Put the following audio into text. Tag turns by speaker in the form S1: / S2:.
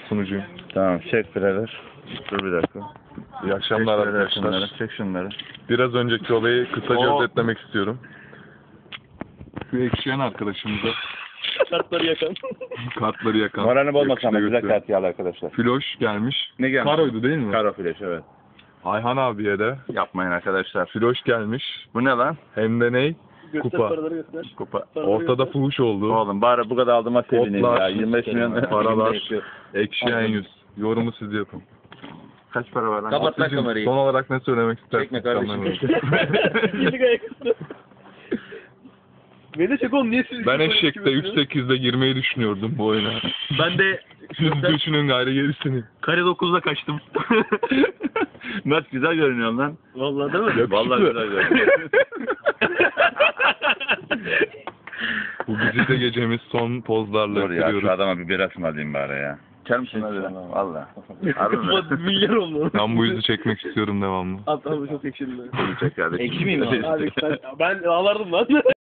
S1: sunucuyum.
S2: Tamam, çek birader. Dur bir dakika.
S1: İyi akşamlar
S2: Çek birader
S1: arkadaşlar.
S2: şunları, çek şunları.
S1: Biraz önceki olayı kısaca özetlemek istiyorum. Şu ekşiyen arkadaşımıza
S3: Kartları yakan.
S1: kartları yakan.
S2: Moralini bozmasın ama
S1: yakışıklı
S2: güzel kart yağlı arkadaşlar.
S1: Filoş gelmiş.
S2: Ne gelmiş?
S1: Karoydu değil mi?
S2: Karo flash, evet.
S1: Ayhan abiye de
S2: Yapmayın arkadaşlar.
S1: filoş gelmiş.
S2: Bu ne lan?
S1: Hem de ney?
S3: Göster
S1: Kupa.
S3: paraları göster.
S2: Kupa.
S3: Paraları
S1: Ortada
S3: göster.
S1: fuhuş oldu.
S2: Oğlum bari bu kadar aldığıma sevineyim
S1: Kodlar,
S2: ya. 25 milyon
S1: paralar, ekşiyen yüz. Yorumu siz yapın.
S2: Kaç para var lan?
S4: Kapat lan
S1: Sizin
S4: kamerayı.
S1: son olarak ne söylemek istersiniz?
S4: Çekme kardeşim.
S3: Birlik ayaküstü. Beni de çek oğlum, niye siz?
S1: Ben eşekte 3.8'de girmeyi düşünüyordum bu oyuna.
S4: Ben de
S1: Siz düşünün gayrı gerisini.
S4: kare 9'da kaçtım.
S2: Mert güzel görünüyor lan.
S3: Vallahi değil mi?
S1: Yakışıklı.
S2: Vallahi güzel görünüyor.
S1: Bu güzide gecemiz son pozlarla
S2: Dur ya,
S1: bitiriyoruz.
S2: şu adama bir bira ısmarlayayım bari ya. İçer misin hadi? Valla. Harbi mi?
S3: Milyar oldu.
S1: Ben bu yüzü çekmek istiyorum devamlı.
S3: Abi çok ekşidim ben.
S2: Bunu çek kardeşim.
S4: Ekşi miyim abi?
S3: Abi ben ağlardım lan.